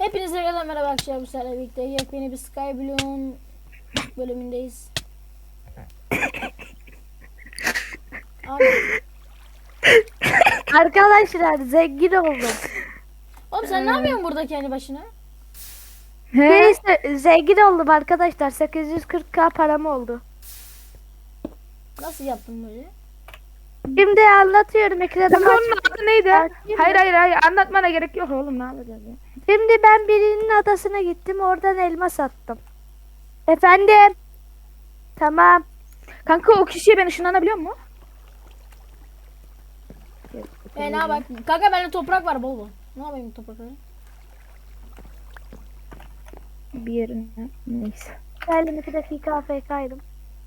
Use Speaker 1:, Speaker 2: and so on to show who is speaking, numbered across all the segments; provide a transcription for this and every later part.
Speaker 1: Hepinize merhaba arkadaşlar, bu sefer birlikte yepyeni bir Skyblock'un bölümündeyiz. Abi.
Speaker 2: Arkadaşlar zengin oldum.
Speaker 1: Oğlum sen ne yapıyorsun burada kendi başına?
Speaker 2: Neyse zengin oldum arkadaşlar. 840k param oldu.
Speaker 1: Nasıl yaptın böyle?
Speaker 2: Şimdi anlatıyorum ekrana.
Speaker 3: Kanka onun adı neydi?
Speaker 2: Bakayım
Speaker 3: Hayır anlatmana gerek yok oğlum, ne yapacağız ya?
Speaker 2: Şimdi ben birinin adasına gittim. Oradan elma sattım. Efendim. Tamam.
Speaker 3: Kanka o kişiye ben ışınlanabiliyor mu?
Speaker 1: Ne bak. Kanka bende toprak var bol bol. Ne yapayım toprakları?
Speaker 3: Bir yerine neyse.
Speaker 2: Geldim 2 dakika AFK'ydım.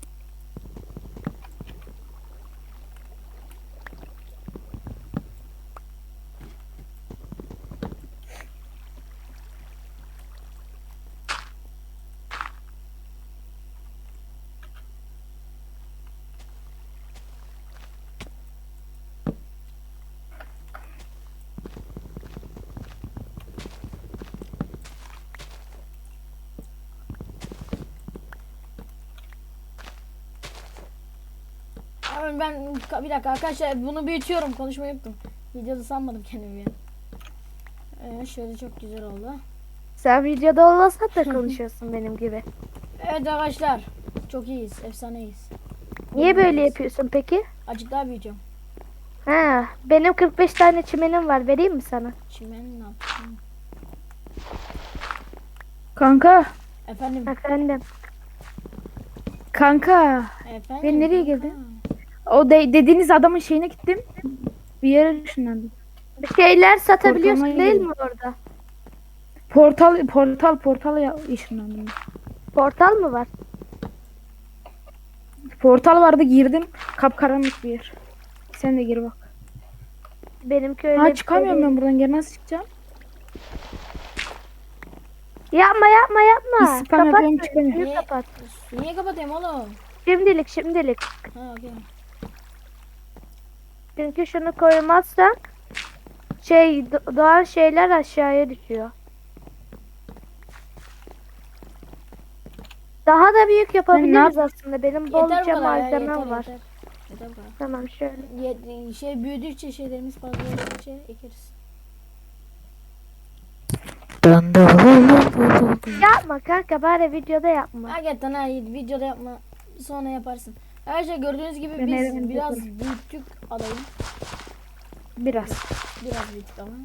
Speaker 1: Abi ben bir dakika arkadaşlar, bunu büyütüyorum, konuşmayı unuttum. Videoda sanmadım kendimi ya. Şöyle çok güzel oldu.
Speaker 2: Sen videoda olmasan da konuşuyorsun benim gibi.
Speaker 1: Evet arkadaşlar, çok iyiyiz, efsaneyiz.
Speaker 2: Niye böyle yapıyorsun peki?
Speaker 1: Azıcık daha büyüteceğim.
Speaker 2: Ha, benim 45 tane çimenim var. Vereyim mi sana?
Speaker 1: Çimen ne yapayım?
Speaker 3: Kanka.
Speaker 1: Efendim.
Speaker 2: Efendim.
Speaker 3: Kanka.
Speaker 1: Efendim.
Speaker 3: Ben nereye
Speaker 1: kanka.
Speaker 3: girdim? O dediğiniz adamın şeyine gittim. Bir yere ışınlandım.
Speaker 2: Bir şeyler satabiliyorsun
Speaker 3: Portalına
Speaker 2: değil
Speaker 3: girdim.
Speaker 2: mi orada?
Speaker 3: Portala ışınlandım.
Speaker 2: Portal mı var?
Speaker 3: Portal vardı, girdim. Kapkaranlık bir yer. Sen de gir bak.
Speaker 2: Benimki öyle
Speaker 3: Ha,
Speaker 2: bir
Speaker 3: çıkamıyorum
Speaker 2: şey
Speaker 3: ben buradan. Geri nasıl çıkacağım?
Speaker 2: değil. Yapma.
Speaker 3: Bir spam yapıyorum,
Speaker 2: Kapat.
Speaker 3: çıkamıyorum.
Speaker 2: Suyu kapat.
Speaker 1: Niye kapatayım oğlum?
Speaker 2: Şimdilik.
Speaker 1: Ha okey.
Speaker 2: Çünkü şunu koymazsak doğan şeyler aşağıya düşüyor. Daha da büyük yapabiliriz aslında. Benim
Speaker 1: Yeter bu
Speaker 2: bolca
Speaker 1: kadar ya,
Speaker 2: malzemem var.
Speaker 1: Yeter bu kadar.
Speaker 2: Tamam şöyle.
Speaker 1: Şey büyüdükçe şeylerimiz fazla oldukça ekeriz.
Speaker 2: Yapma kanka, bari videoda yapma.
Speaker 1: Hakikaten ha, videoda yapma, sonra yaparsın. Arkadaşlar gördüğünüz gibi
Speaker 3: Ben
Speaker 1: biz
Speaker 3: evden
Speaker 1: biraz
Speaker 3: yaparım.
Speaker 1: büyüttük adayı.
Speaker 3: Biraz.
Speaker 1: Biraz büyüttük ama.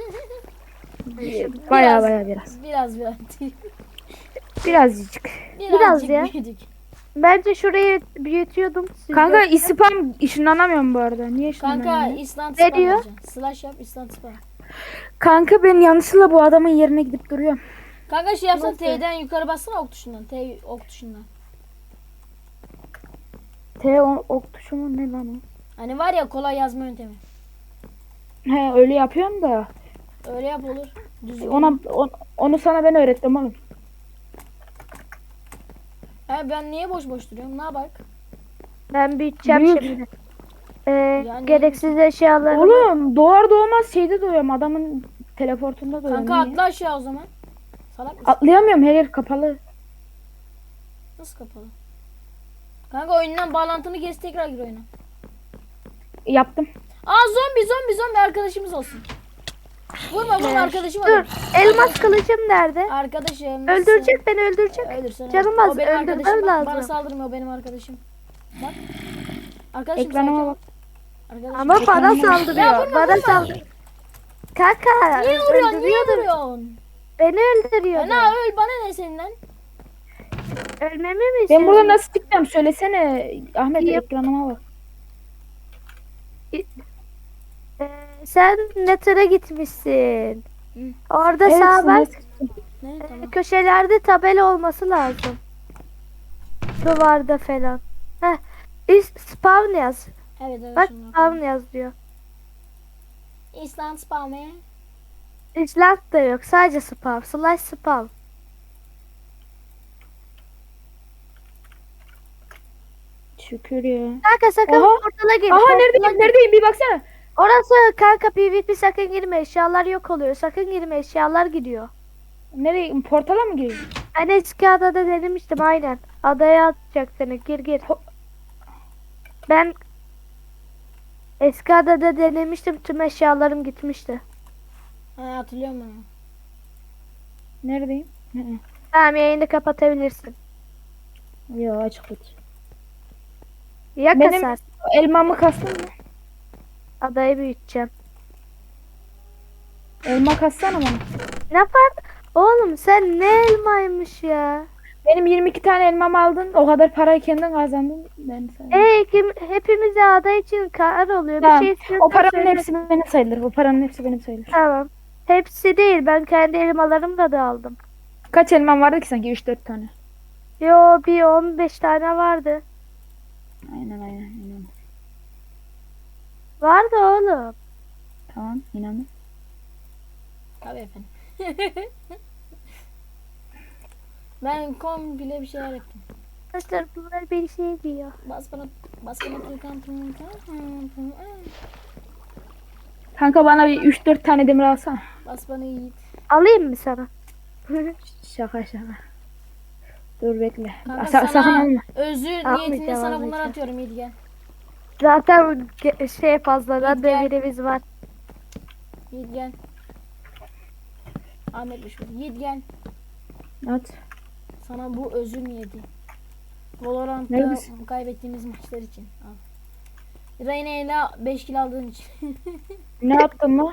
Speaker 3: Baya biraz.
Speaker 1: Biraz
Speaker 3: Birazcık.
Speaker 1: birazcık
Speaker 2: ya.
Speaker 1: büyüdük.
Speaker 2: Bence şurayı büyütüyordum. Siz
Speaker 3: Kanka
Speaker 2: de-
Speaker 3: spam ışınlanamıyorum bu arada. Niye
Speaker 1: Kanka
Speaker 3: ışınlanamıyorum?
Speaker 1: instant
Speaker 2: Ne
Speaker 1: spam
Speaker 2: diyor?
Speaker 1: yapacaksın. Slash yap instant spam.
Speaker 3: Kanka ben yanlışlıkla bu adamın yerine gidip duruyorum.
Speaker 1: Kanka şey yapsana,
Speaker 2: Nasıl?
Speaker 1: T'den yukarı bassana, ok tuşundan. T ok tuşundan.
Speaker 3: Ok tuşu mu ne lan o?
Speaker 1: Hani var ya, kolay yazma yöntemi.
Speaker 3: He, öyle yapıyorum da.
Speaker 1: Öyle yap olur. Düzgün.
Speaker 3: Onu sana ben öğrettim oğlum.
Speaker 1: He, ben niye boş duruyorum? Ne bak?
Speaker 2: Ben büyüteceğim
Speaker 3: Büyüt.
Speaker 2: şimdi.
Speaker 1: Yani-
Speaker 2: Gereksiz eşyaları.
Speaker 3: Oğlum doğar doğmaz şeyde doğuyorum, adamın teleportunda doğuyorum.
Speaker 1: Kanka
Speaker 3: Niye?
Speaker 1: atla aşağı o zaman. Salak mısın?
Speaker 3: Atlayamıyorum, her yer kapalı.
Speaker 1: Nasıl kapalı? Kanka oyundan bağlantını kes, tekrar gir oyuna.
Speaker 3: Yaptım.
Speaker 1: Aa, zombi arkadaşımız olsun. Vurma arkadaşım
Speaker 2: Dur.
Speaker 1: olur.
Speaker 2: Elmas kılıcım nerede?
Speaker 1: Arkadaşım.
Speaker 2: Öldürecek beni, öldürecek.
Speaker 1: Öldürsen.
Speaker 2: Canım az,
Speaker 1: O benim
Speaker 2: öldürmem
Speaker 1: arkadaşım. Bak, bana
Speaker 2: lazım.
Speaker 1: saldırma, o benim arkadaşım. Bak. Arkadaşım
Speaker 3: Ekranıma
Speaker 1: sakin ol.
Speaker 3: bak.
Speaker 1: Arkadaşım.
Speaker 2: Ama bana
Speaker 1: Ya
Speaker 2: saldırıyor.
Speaker 1: vurma,
Speaker 2: Bana
Speaker 1: vurma.
Speaker 2: saldırıyor. Kanka
Speaker 1: Niye vuruyorsun? Niye
Speaker 2: öldürüyordu.
Speaker 1: vuruyorsun?
Speaker 2: Beni öldürüyordu.
Speaker 1: Ana öl, bana ne senden?
Speaker 2: Ölmemi mi
Speaker 3: Ben
Speaker 2: istiyorsun?
Speaker 3: burada nasıl çıkacağım söylesene. Ahmet,
Speaker 2: Yap.
Speaker 3: ekranıma bak.
Speaker 2: Sen Nether'a gitmişsin.
Speaker 1: Hı.
Speaker 2: Orada
Speaker 3: Evet,
Speaker 2: sağ bak.
Speaker 3: nasıl çıkacağım?
Speaker 1: Ne tamam.
Speaker 2: Köşelerde tabela olması lazım. Duvarda falan. Heh. Spawn yaz.
Speaker 1: Evet evet.
Speaker 2: Bak
Speaker 1: şunu
Speaker 2: spawn
Speaker 1: bakalım.
Speaker 2: yaz diyor.
Speaker 1: İsland spam'e.
Speaker 2: İsland da yok. Sadece spawn. Slash spawn.
Speaker 3: Şükür ya.
Speaker 2: Kanka sakın
Speaker 3: Oha.
Speaker 2: portala gir.
Speaker 3: Aha,
Speaker 2: portala
Speaker 3: neredeyim
Speaker 2: gir.
Speaker 3: neredeyim bir baksana.
Speaker 2: Orası kanka PvP, sakın girme. Eşyalar yok oluyor. Sakın girme, eşyalar gidiyor.
Speaker 3: Nereye? Portala mı giriyor?
Speaker 2: Ben eski adada denemiştim aynen. Adaya atacak seni. Gir gir. Ben eski adada denemiştim. Tüm eşyalarım gitmişti.
Speaker 1: Ha, hatırlıyorum ben.
Speaker 3: Neredeyim? Hı hı.
Speaker 2: Tamam, yayını kapatabilirsin.
Speaker 3: Yo, açık tut.
Speaker 2: Ya
Speaker 3: Benim
Speaker 2: kasar.
Speaker 3: elmamı kastın mı?
Speaker 2: Adayı büyüteceğim.
Speaker 3: Elma kassana bana.
Speaker 2: Ne fark? Oğlum sen ne elmaymış ya.
Speaker 3: Benim 22 tane elmamı aldın. O kadar parayı kendin kazandın. Ben sana.
Speaker 2: Hepimize ada için kar oluyor.
Speaker 3: Tamam.
Speaker 2: Bir şey istiyorsan
Speaker 3: O paranın
Speaker 2: söyle.
Speaker 3: hepsi benim sayılır. O paranın hepsi benim sayılır.
Speaker 2: Tamam. Hepsi değil. Ben kendi elmalarımı da aldım.
Speaker 3: Kaç elmam vardı ki sanki? 3-4 tane.
Speaker 2: Yo, bir 15 tane vardı.
Speaker 3: Aynen.
Speaker 2: Vardı oğlum.
Speaker 3: Tamam, inandım.
Speaker 1: Tabii efendim. Ben komple bir şeyler yaptım.
Speaker 2: Arkadaşlar bunlar bir şey diyor.
Speaker 1: Bas bana tıkantım.
Speaker 3: Kanka bana bir 3-4 tane demir alsana.
Speaker 1: Bas bana Yiğit.
Speaker 2: Alayım mı sana?
Speaker 3: Şaka. Dur bekle.
Speaker 1: Kanka
Speaker 3: Sakın
Speaker 1: sana
Speaker 3: alma.
Speaker 1: özür niyetinde sana bunları
Speaker 2: almayacağım.
Speaker 1: atıyorum Yiğit gel.
Speaker 2: Zaten şey fazladan
Speaker 1: Gel.
Speaker 2: demirimiz var.
Speaker 1: Yiğit gel. Ahmet'miş bu. Yiğit gel.
Speaker 3: At.
Speaker 1: Sana bu özür niyeti. Valorant'ta
Speaker 3: Neredesin?
Speaker 1: kaybettiğimiz maçlar için. Al. Reyna ile 5 kill aldığın için.
Speaker 3: Ne yaptın mı?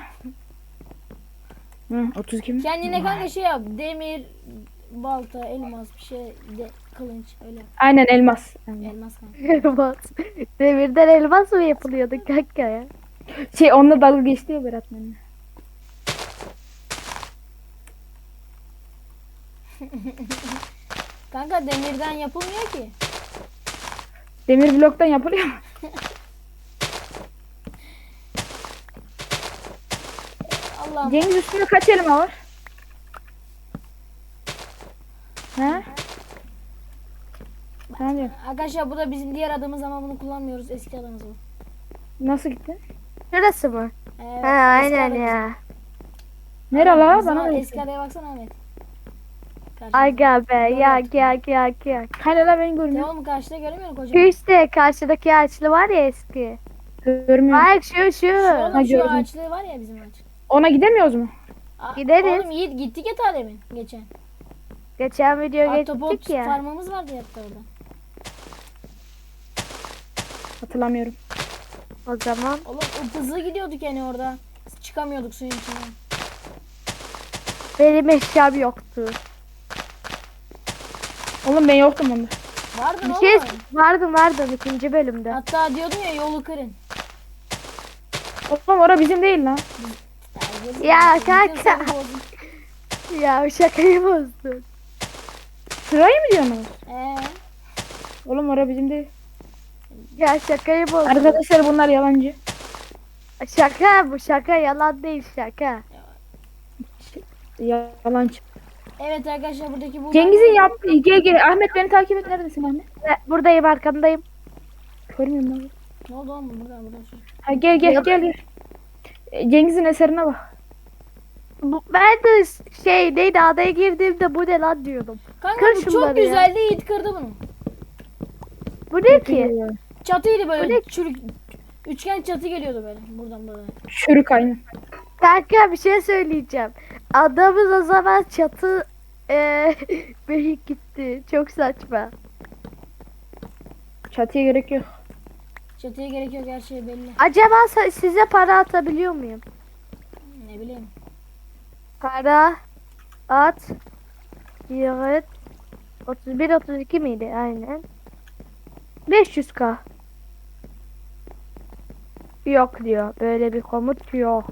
Speaker 3: Hı, 32 mi?
Speaker 1: Kendine kanka şey yap. Demir, balta, elmas bir şey de kılınç öyle.
Speaker 3: Aynen elmas.
Speaker 1: Elmas kanka.
Speaker 2: Elmas. Demirden elmas mı yapılıyordu kanka ya?
Speaker 3: Onunla dalga geçti ya Berat benimle.
Speaker 1: Kanka demirden yapılmıyor ki.
Speaker 3: Demir bloktan yapılıyor mu?
Speaker 1: Allah'ım.
Speaker 3: Cengiz üstünde kaç elma var? He? Ne diyor?
Speaker 1: Arkadaşlar bu da bizim diğer adımız ama bunu kullanmıyoruz. Eski adımız bu.
Speaker 3: Nasıl gitti?
Speaker 2: Şurası mı?
Speaker 1: Evet,
Speaker 2: Ha,
Speaker 1: eski
Speaker 2: aynen
Speaker 1: adamız.
Speaker 2: ya.
Speaker 3: Nere la?
Speaker 1: Bizim
Speaker 3: Bana da
Speaker 1: eski
Speaker 3: gitti.
Speaker 1: adaya baksana Ahmet. Karşıda.
Speaker 2: Aga be ya
Speaker 1: Doğru.
Speaker 2: ya.
Speaker 3: Hani la beni görmüyor.
Speaker 1: Devam karşıda göremiyor musun
Speaker 2: Şu
Speaker 1: kocaman?
Speaker 2: işte karşıdaki ağaçlı var ya eski.
Speaker 3: Görmüyor.
Speaker 2: Bak şu.
Speaker 1: Şu oğlum
Speaker 3: Ha,
Speaker 1: şu
Speaker 3: gördüm.
Speaker 1: ağaçlığı var ya bizim ağaç.
Speaker 3: Ona gidemiyoruz mu?
Speaker 2: Gideriz.
Speaker 1: Oğlum Yiğit gittik ya ta demin geçen.
Speaker 2: Geçen video
Speaker 1: Ahtapot
Speaker 2: geçtik ya.
Speaker 1: farmımız vardı hatta orada.
Speaker 3: Hatırlamıyorum.
Speaker 2: O zaman
Speaker 1: Oğlum hızlı gidiyorduk yani orada. Çıkamıyorduk suyun içinden.
Speaker 2: benim eşyam yoktu.
Speaker 3: Oğlum ben yoktum onda.
Speaker 1: Vardı
Speaker 2: Bir
Speaker 1: oğlum.
Speaker 2: şey vardı ikinci bölümde.
Speaker 1: Hatta diyordun ya yolu kırın.
Speaker 3: Oğlum ora bizim değil lan.
Speaker 1: yazık
Speaker 2: Ya
Speaker 1: olsun. Bütün
Speaker 2: kanka.
Speaker 1: seni bozdum.
Speaker 2: Ya şakayı bozdun.
Speaker 3: Şurayı mı diyorsunuz?
Speaker 1: Ee,
Speaker 3: Oğlum ora bizim değil.
Speaker 2: Ya şakayı bozdun.
Speaker 3: Arkadaşlar bunlar yalancı.
Speaker 2: Şaka bu, şaka yalan değil, şaka.
Speaker 3: Yalancı.
Speaker 1: evet arkadaşlar buradaki bu.
Speaker 3: Cengiz'in yaptığı gel. Ahmet beni takip et. Neredesin Ahmet?
Speaker 2: Buradayım, arkandayım.
Speaker 3: Görmüyorum ben.
Speaker 1: Ne oldu oğlum buradan.
Speaker 3: Ha gel. Cengiz'in eserine bak.
Speaker 2: Ben de neydi, adaya girdiğimde bu ne lan diyordum.
Speaker 1: Kanka
Speaker 2: Kır
Speaker 1: bu çok
Speaker 2: şunları ya.
Speaker 1: güzeldi Yiğit kırdı bunu.
Speaker 2: Bu ne ki?
Speaker 1: Çatıydı
Speaker 2: Bu
Speaker 1: böyle
Speaker 2: ne?
Speaker 1: çürük. Üçgen çatı geliyordu böyle buradan böyle.
Speaker 3: Çürük aynı.
Speaker 2: Kanka bir şey söyleyeceğim. Adamız o zaman çatı büyük gitti. Çok saçma.
Speaker 3: Çatıya gerek yok.
Speaker 1: Çatıya gerek yok her şey belli.
Speaker 2: Acaba size para atabiliyor muyum?
Speaker 1: Ne bileyim.
Speaker 2: Para at. Yığıt. 31-32 miydi? Aynen. 500k. Yok diyor. Böyle bir komut yok.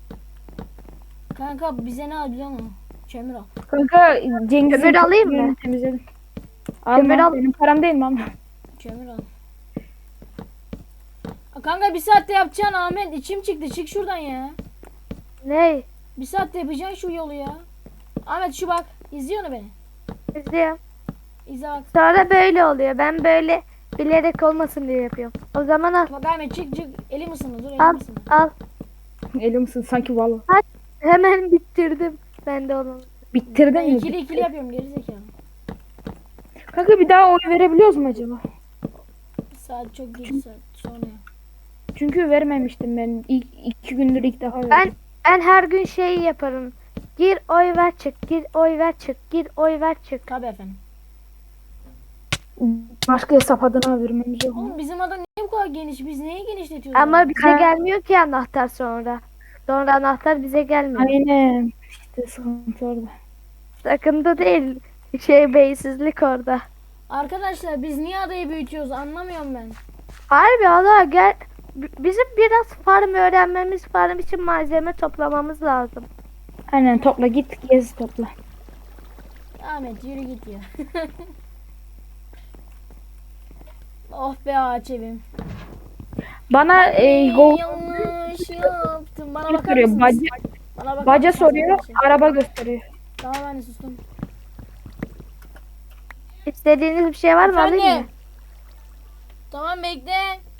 Speaker 1: Kanka bize ne al biliyor musun? Kömür al.
Speaker 3: Kanka Cengiz'in
Speaker 2: Kömür alayım mı?
Speaker 3: kömürünü temizledim.
Speaker 2: Kömür
Speaker 3: Alma,
Speaker 2: al.
Speaker 3: benim param değil mi ama?
Speaker 1: Kömür al. Kanka bir saatte yapacaksın Ahmet. İçim çıktı. Çık şuradan ya.
Speaker 2: Ne?
Speaker 1: Bir saatte yapacaksın şu yolu ya. Ahmet şu bak. İzliyor mu beni?
Speaker 2: İzliyorum.
Speaker 1: İzle bak.
Speaker 2: Sonra böyle oluyor. Ben böyle bilerek olmasın diye yapıyorum. O zaman al.
Speaker 1: Bak Ahmet çık. Elim ısındı. Dur elim
Speaker 2: Al.
Speaker 1: ısındı.
Speaker 2: Al.
Speaker 3: Elim misin sanki valla.
Speaker 2: Hemen bitirdim. Ben de onu.
Speaker 3: Bitirdin
Speaker 1: Ben
Speaker 3: mi?
Speaker 1: ikili ikili yapıyorum gerizekalı.
Speaker 3: Kanka bir daha oy verebiliyoruz mu acaba?
Speaker 1: Saat çok geç saat sonra.
Speaker 3: Çünkü vermemiştim ben. İlk 2 gündür ilk defa
Speaker 2: Ben
Speaker 3: verdim.
Speaker 2: ben her gün şey yaparım. Gir oy ver çık, gir oy ver çık, gir oy ver çık.
Speaker 1: Tabii efendim.
Speaker 3: Başka hesap adına vermemiz yok mu?
Speaker 1: Oğlum bizim ada niye bu kadar geniş? Biz neyi genişletiyoruz?
Speaker 2: Ama
Speaker 1: ya?
Speaker 2: bize gelmiyor ki anahtar sonra. Sonra anahtar bize gelmiyor.
Speaker 3: Aynen. İşte sıkıntı orada.
Speaker 2: Sıkıntı değil. Beysizlik orada.
Speaker 1: Arkadaşlar biz niye adayı büyütüyoruz anlamıyorum ben.
Speaker 2: Harbi Allah gel. Bizim biraz farm öğrenmemiz, farm için malzeme toplamamız lazım.
Speaker 3: Aynen topla git gez topla.
Speaker 1: Ahmet yürü git ya. Oh be ağaç evim.
Speaker 3: Bana go
Speaker 1: Yanlış yaptım. Bana bakar
Speaker 3: gösteriyor.
Speaker 1: mısınız?
Speaker 3: Baca,
Speaker 1: Bana bakar
Speaker 3: baca
Speaker 1: mısınız
Speaker 3: soruyor.
Speaker 1: arkadaşlar?
Speaker 3: Araba gösteriyor.
Speaker 1: Tamam anne sustum.
Speaker 2: İstediğiniz bir şey var mı alayım mı?
Speaker 1: Efendim? Tamam bekle.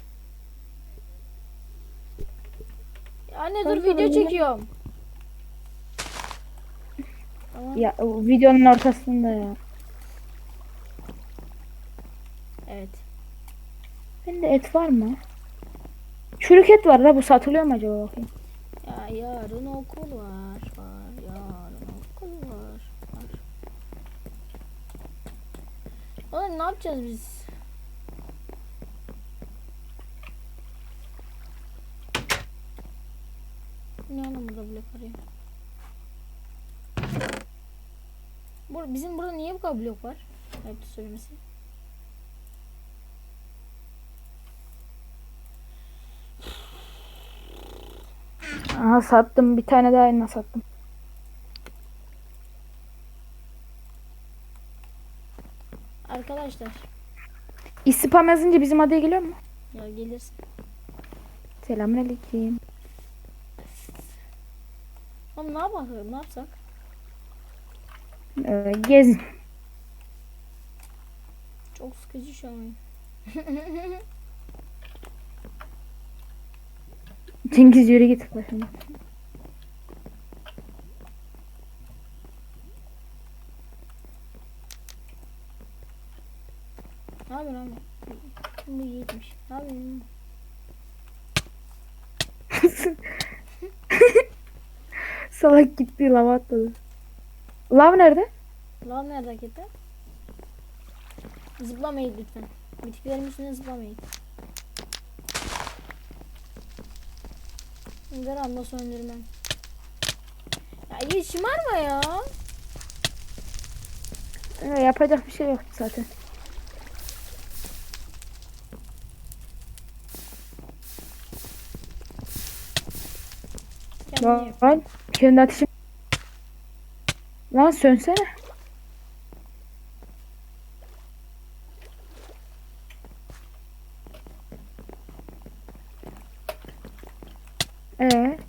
Speaker 1: Anne dur
Speaker 3: Kanka,
Speaker 1: video
Speaker 3: ben-
Speaker 1: çekiyorum. Tamam.
Speaker 3: Ya o videonun ortasında ya.
Speaker 1: Evet.
Speaker 3: Bende et var mı? Çürük et var da bu satılıyor mu acaba bakayım.
Speaker 1: Ya yarın okul var. Yarın okul var. Oğlum ne yapacağız biz? Ne oğlum burada blok var ya? Bizim burada niye bu kadar blok var? Ayıptır söylemesi.
Speaker 3: Aha sattım bir tane daha elma sattım.
Speaker 1: Arkadaşlar
Speaker 3: İspam yazınca bizim adaya geliyor mu?
Speaker 1: ya gelirsin.
Speaker 3: Selamünaleyküm.
Speaker 1: Oğlum ne yapalım? Ne yapsak?
Speaker 3: Gezin.
Speaker 1: Çok sıkıcı şu an.
Speaker 3: Cengiz yürü git başıma.
Speaker 1: Ne yapıyorsun abi? Bu yiğitmiş. Ne yapıyorsun?
Speaker 3: Salak gitti lava atladı. Lav nerede?
Speaker 1: Lan nerede hakikaten? Zıplamayın lütfen. Bitkilerin üstüne zıplamayın. Gramda söndürmem. Ya iyi şımarma ya.
Speaker 3: Yapacak bir şey yok zaten.
Speaker 1: Kendini yap.
Speaker 3: Lan kendi ateşim. Lan sönsene. Ee.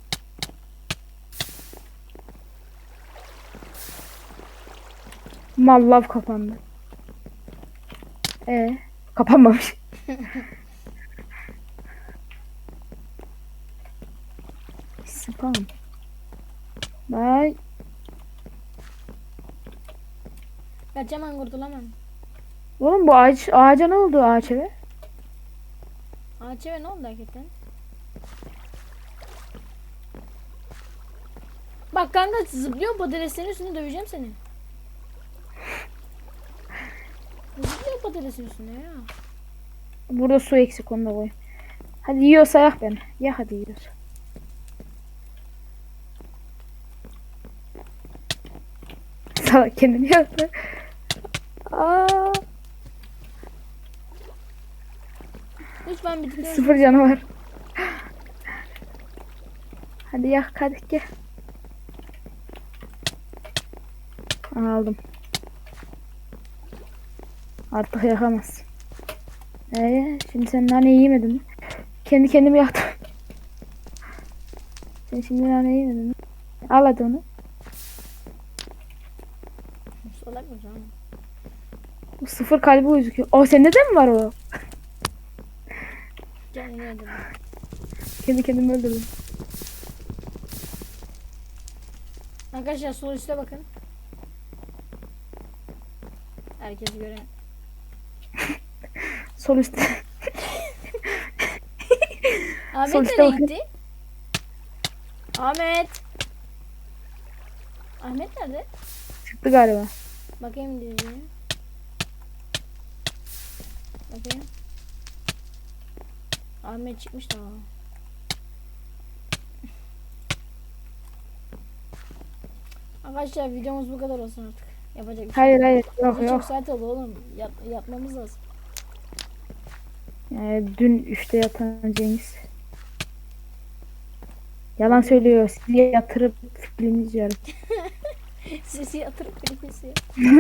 Speaker 3: Mal lav kapandı. Kapanmamış. Spam. Bye.
Speaker 1: Kaçamam kurtulamam.
Speaker 3: Oğlum bu ağaca ne oldu ağaç eve?
Speaker 1: Ağaç eve ne oldu hakikaten? Bak kanka zıplıyor patateslerin üstüne döveceğim seni. Zıplıyor patatesin üstüne ya.
Speaker 3: Burada su eksik onu da koy. Hadi yiyorsa yak beni. Ya hadi yiyorsa. Salak kendini yaktı. Aa,
Speaker 1: Lütfen bitkileri
Speaker 3: 0 canı var. Hadi yak hadi gel. Aldım. Artık yakamaz. Şimdi sen nane yemedin mi? Kendi kendimi yaktım. Sen şimdi nane yemedin mi? Al hadi onu.
Speaker 1: salak mı canım?
Speaker 3: Bu 0 kalbi gözüküyor. O sende de mi var o?
Speaker 1: Kendini öldürdüm.
Speaker 3: Kendi kendimi öldürdüm.
Speaker 1: Arkadaşlar sol üstte bakın. Herkes gören.
Speaker 3: Sol üstte.
Speaker 1: Ahmet
Speaker 3: Sol üstte
Speaker 1: nereye
Speaker 3: bakın.
Speaker 1: gitti? Ahmet. Ahmet nerede?
Speaker 3: Çıktı galiba.
Speaker 1: Bakayım diyeceğim. Bakayım. Ahmet çıkmış tamam. Arkadaşlar videomuz bu kadar olsun artık. Yapacak bir şey
Speaker 3: Hayır
Speaker 1: yok.
Speaker 3: hayır. Yok
Speaker 1: Çok
Speaker 3: yok.
Speaker 1: saat oldu oğlum. Yatmamız lazım.
Speaker 3: Dün 3'te yatan Cengiz. Yalan söylüyor. Sizi yatırıp film izliyorum.
Speaker 1: Sesi yatırıp beni kesiyor.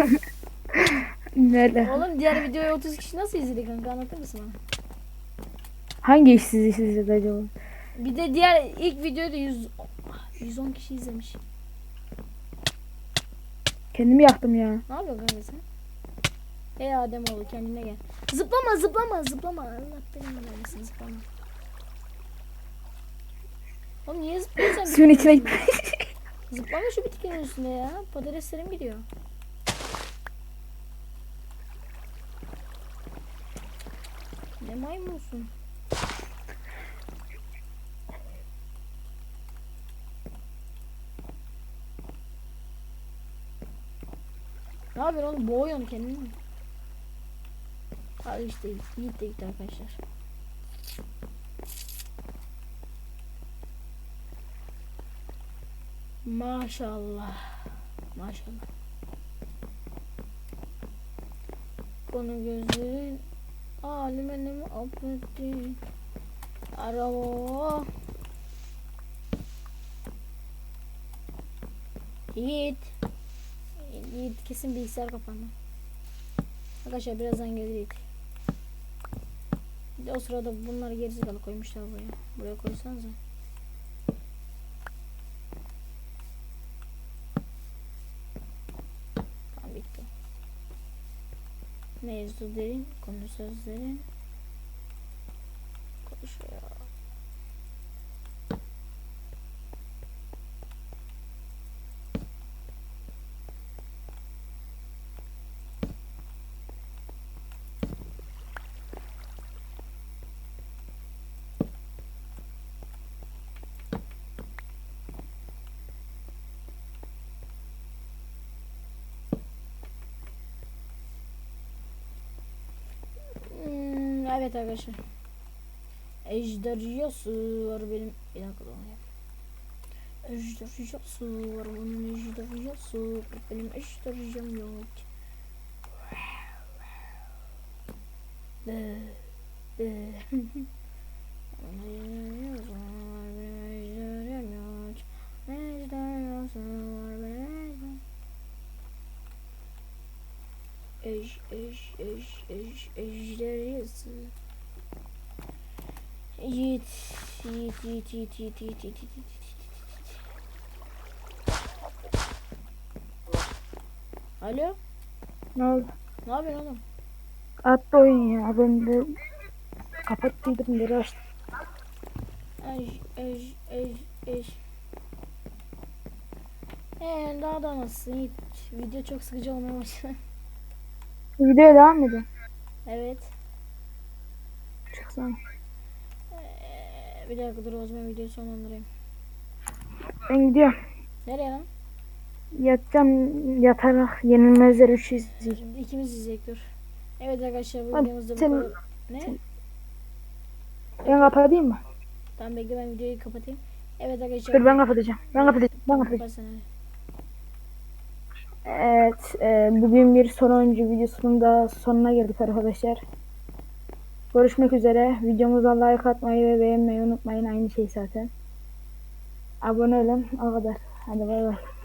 Speaker 3: Nerede?
Speaker 1: Oğlum diğer videoyu 30 kişi nasıl izledi kanka, anlatır mısın bana?
Speaker 3: Hangi işsiz izledi acaba?
Speaker 1: Bir de diğer ilk videoyu da 110 kişi izlemiş.
Speaker 3: Kendimi yaktım ya.
Speaker 1: Ne yapıyorsun kanka sen? Ey Ademoğlu kendine gel. Zıplama zıplama zıplama. Allah belanı vermesin, zıplama. Oğlum niye zıplıyorsun sen?
Speaker 3: Suyun içine
Speaker 1: bitkinin üstünde? Zıplama şu bitkinin üstünde ya. Patateslerim gidiyor. Ne maymunsun? Ne yapıyorsun oğlum? Boğuyorsun kendini mi? Hadi işte Yiğit de gitti arkadaşlar. Maşallah. Maşallah. Konu gözlerin alimeni affetti. Araba. Yiğit. Yiğit kesin bilgisayar kapandı. Arkadaşlar birazdan gelir Yiğit. Bir de o sırada bunları gerizekalı koymuşlar buraya. Buraya koysanıza. Tamam bitti. Mevzu derin, konu sözlerin. Konuşuyor. Evet arkadaşlar. Ejderhası var benim. Bir dakika da onu yapayım. Ejderhası var bunun, ejderhası. Benim ejderham yok. Ejderhası. Yiğit. Alo?
Speaker 3: Ne oldu?
Speaker 1: Ne yapıyorsun oğlum?
Speaker 3: Attı oyun ya. Ben de kapattıydım, geri açtım.
Speaker 1: Ej. Daha da nasılsın Yiğit? Video çok sıkıcı olmaya başladı.
Speaker 3: Videoya devam edin.
Speaker 1: Evet.
Speaker 3: Çıksana.
Speaker 1: Bir dakika dur, o zaman videoyu sonlandırayım.
Speaker 3: Ben gidiyorum.
Speaker 1: Nereye lan?
Speaker 3: Yatacağım, yatarak Yenilmezler 3 izleyeceğim.
Speaker 1: Şimdi ikimiz izleyecek dur. Evet arkadaşlar bu
Speaker 3: Hadi
Speaker 1: videomuzda bu
Speaker 3: sen-
Speaker 1: kadar. Ne?
Speaker 3: Ben kapatayım mı?
Speaker 1: Tamam bekle, ben videoyu kapatayım. Evet arkadaşlar.
Speaker 3: Dur ben kapatacağım. Ben kapatacağım.
Speaker 1: Kapat sen hadi.
Speaker 3: Evet, bugün bir sonuncu videosunun da sonuna geldik arkadaşlar. Görüşmek üzere. Videomuza like atmayı ve beğenmeyi unutmayın. Aynı şey zaten. Abone olun. O kadar. Hadi bay bay.